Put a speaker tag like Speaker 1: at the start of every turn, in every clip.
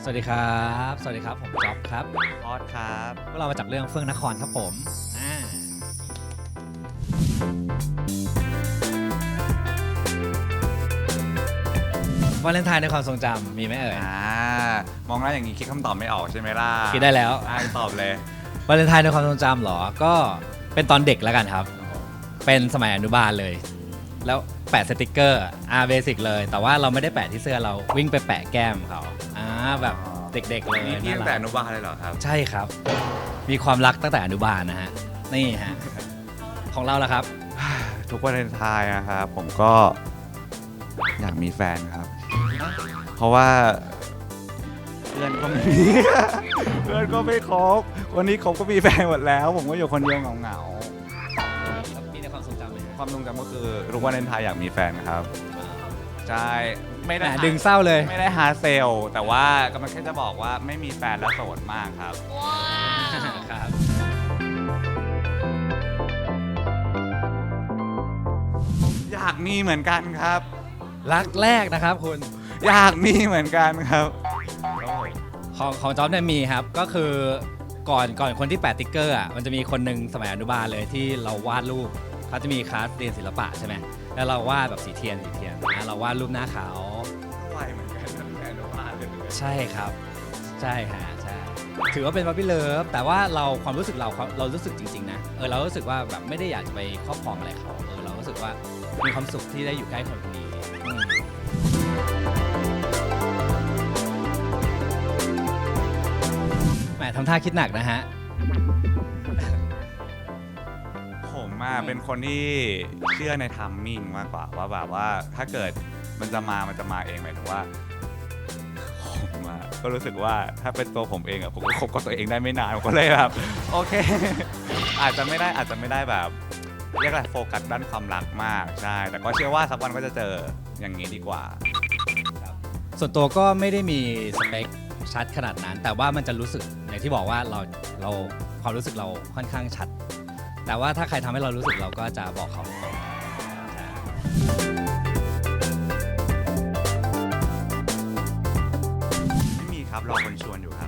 Speaker 1: สวัสดีครับสวัสดีครับผมจ๊อบครับ
Speaker 2: ออสครับ
Speaker 1: พวกเรามาจากเรื่องเฟื่องนครครับผมวาเลนไทน์ในความทรงจำมีไหมเอ่ย
Speaker 2: มองแล้วอย่างนี้คิดคำตอบไม่ออกใช่ไหมล่ะ
Speaker 1: คิดได้แล้ว
Speaker 2: ตอบเลยว
Speaker 1: าเลนไทน์ในความทรงจำเหรอก็เป็นตอนเด็กแล้วกันครับเป็นสมัยอนุบาลเลยแล้วแปะสติกเกอร์เบสิกเลยแต่ว่าเราไม่ได้แปะที่เสื้อเราวิ่งไปแปะแก้มเขาแบบเด็กๆเลย
Speaker 2: นี่พี่ตั้งแต่อนุบาลเลยเหรอครับ
Speaker 1: ใช่ครับมีความรักตั้งแต่อนุบาลนะฮะนี่ฮะของเราล่ะครับ
Speaker 2: ทุกวาเลนไทน์นะครับผมก็อยากมีแฟนครับเพราะว่าเพื่อนก็ไม่มี เพื่อนก็ไม่คบวันนี้คบก็มีแฟนหมดแล้วผมก็อยู่คนเดียวเหงา
Speaker 1: มีในความทรงจำไหม
Speaker 2: ความทรงจำก็คือทุกวาเลนไทน์อยากมีแฟนครับใช่ไม่ได้
Speaker 1: ดึงเศร้าเลย
Speaker 2: ไม่ได้หาเซลแต่ว่ากำลังแค่จะบอกว่าไม่มีแฟนแล้วโสดมากครับว้าว
Speaker 1: ครับ
Speaker 2: อยากมีเหมือนกันครับ
Speaker 1: รักแรกนะครับคุณ
Speaker 2: อยากมีเหมือนกันครับ
Speaker 1: ของจ๊อบเนี่ยมีครับก็คือก่อนคนที่แปะติ๊กเกอร์มันจะมีคนหนึ่งสมัยอนุบาลเลยที่เราวาดรูปเขาจะมีคลาสเรียนศิลปะใช่ไหมแล้วเราวาดแบบสีเทียนเราวาดรูปหน้าขาว
Speaker 2: ไวเหมือนกันแต่อนุบาลเลย
Speaker 1: ใช่ครับใช่ฮะใช่ถือว่าเป็นบัพปี้เลิฟแต่ว่าเราความรู้สึกเรารู้สึกจริงๆนะเรารู้สึกว่าแบบไม่ได้อยากจะไปครอบครองอะไรเขาเรารู้สึกว่ามีความสุขที่ได้อยู่ใกล้คนคนนี้แหมทำท่าคิดหนักนะฮะ
Speaker 2: ผมเป็นคนที่เชื่อในทัมมิ่งมากกว่าว่าแบบว่าถ้าเกิดมันจะมาเองหมายถึงว่าผมก็รู้สึกว่าถ้าเป็นตัวผมเองผมก็คบกับตัวเองได้ไม่นานผมก็เลยแบบโอเคอาจจะไม่ได้แบบเรียกอะไรโฟกัสด้านความรักมากใช่แต่ก็เชื่อว่าสักวันก็จะเจออย่างนี้ดีกว่า
Speaker 1: ส่วนตัวก็ไม่ได้มีสเปคชัดขนาดนั้นแต่ว่ามันจะรู้สึกอย่างที่บอกว่าเราความรู้สึกเราค่อนข้างชัดแต่ว่าถ้าใครทำให้เรารู้สึกเราก็จะบอกเขาตรง
Speaker 2: ไม่มีครับรอคนชวนอยู่ครับ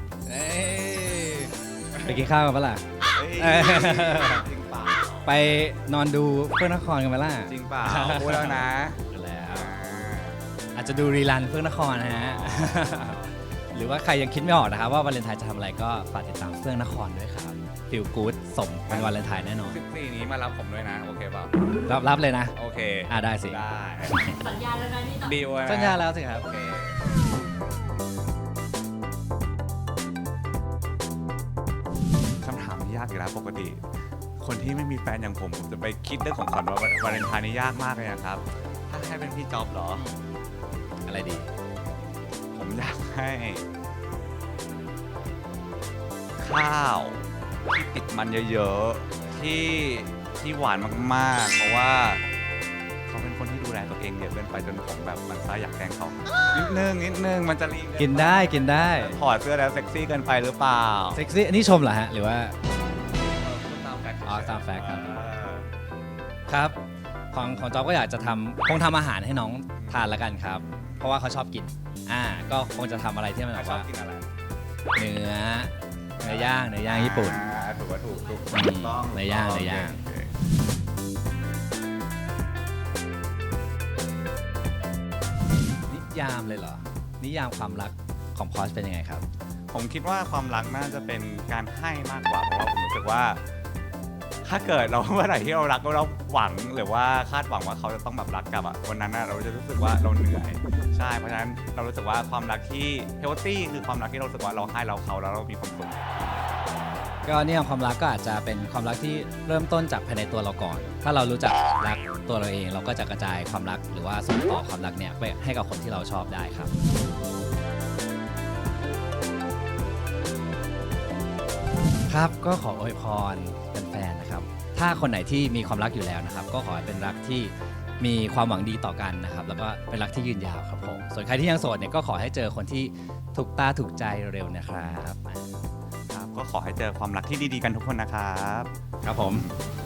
Speaker 1: ไปกินข้าวกันปะล่ะ
Speaker 2: จริงเปล่า
Speaker 1: ไปนอนดูเฟื่องนครกันปะล่ะ
Speaker 2: จริงเปล่าพูดแล้วนะ
Speaker 1: แล้วอาจจะดูรีลันเฟื่องนครนะฮะหรือว่าใครยังคิดไม่ออกนะครับว่าวาเลนไทน์จะทำอะไรก็ฝากติดตามเฟื่องนครด้วยครับฟิลกู๊ดสมเป็นวาเลนไทน์แน่นอน
Speaker 2: 14นี้มารับผมด้วยนะโอเคเปล่า
Speaker 1: รับเลยนะ
Speaker 2: โอเค
Speaker 1: ได้สิ
Speaker 2: ได้
Speaker 3: สัญญาแล้วนะนี่
Speaker 2: ดีวะ
Speaker 1: สัญญาแล้วสิครับ
Speaker 2: โอเคคำถามนี้ยากอยู่แล้วปกติคนที่ไม่มีแฟนอย่างผมจะไปคิดเรื่องของขวัญวาเลนไทน์นี่ยากมากเลยนะครับถ้าให้เป็นพี่จ๊อบเหรอ
Speaker 1: อะไรดี
Speaker 2: ผมอยากให้ข้าวที่ติดมันเยอะๆที่หวานมากๆเพราะว่าเขาเป็นคนที่ดูแลตัวเองเยอะเกินไปจนผมแบบมันซะอยากแกล้งเขานิดนึงมันจะรี
Speaker 1: กินได้
Speaker 2: ถอดเสื้อแล้วเซ็กซี่เกินไปหรือเปล่า
Speaker 1: เซ็กซี่อันนี้ชมเหรอฮะหรือว่าตามแฟกต์ครับของจ๊อบก็อยากจะคงทำอาหารให้น้องทานละกันครับเพราะว่าเขาชอบกินก็คงจะทำอะไรที่มันแบบว่าเนื้อย่างญี่ปุ่น
Speaker 2: ถูก
Speaker 1: ต้องเนื้อย่างนิยามเลยเหรอนิยามความรักของพอชเป็นยังไงครับ
Speaker 2: ผมคิดว่าความรักน่าจะเป็นการให้มากกว่าเพราะว่าผมรู้สึกว่าถ้าเกิดเราเมื่อไหร่ที่เรารักเราหวังหรือว่าคาดหวังว่าเขาจะต้องแบบรักกลับวันนั้นเราจะรู้สึกว่าเราเหนื่อยใช่เพราะฉะนั้นเรารู้สึกว่าความรักที่เฮลตี้คือความรักที่เรารู้สึกว่าเราให้เขาแล้วเรามีความสุข
Speaker 1: ก็นี่ความรักก็อาจจะเป็นความรักที่เริ่มต้นจากภายในตัวเราก่อนถ้าเรารู้จักรักตัวเราเองเราก็จะกระจายความรักหรือว่าส่งต่อความรักเนี่ยไปให้กับคนที่เราชอบได้ครับครับก็ขออวยพรแฟนๆนะครับถ้าคนไหนที่มีความรักอยู่แล้วนะครับก็ขอให้เป็นรักที่มีความหวังดีต่อกันนะครับแล้วก็เป็นรักที่ยืนยาวครับผมส่วนใครที่ยังโสดเนี่ยก็ขอให้เจอคนที่ถูกตาถูกใจเร็วนะครับ
Speaker 2: ก็ขอให้เจอความรักที่ดีๆกันทุกคนนะครับ
Speaker 1: ครับผม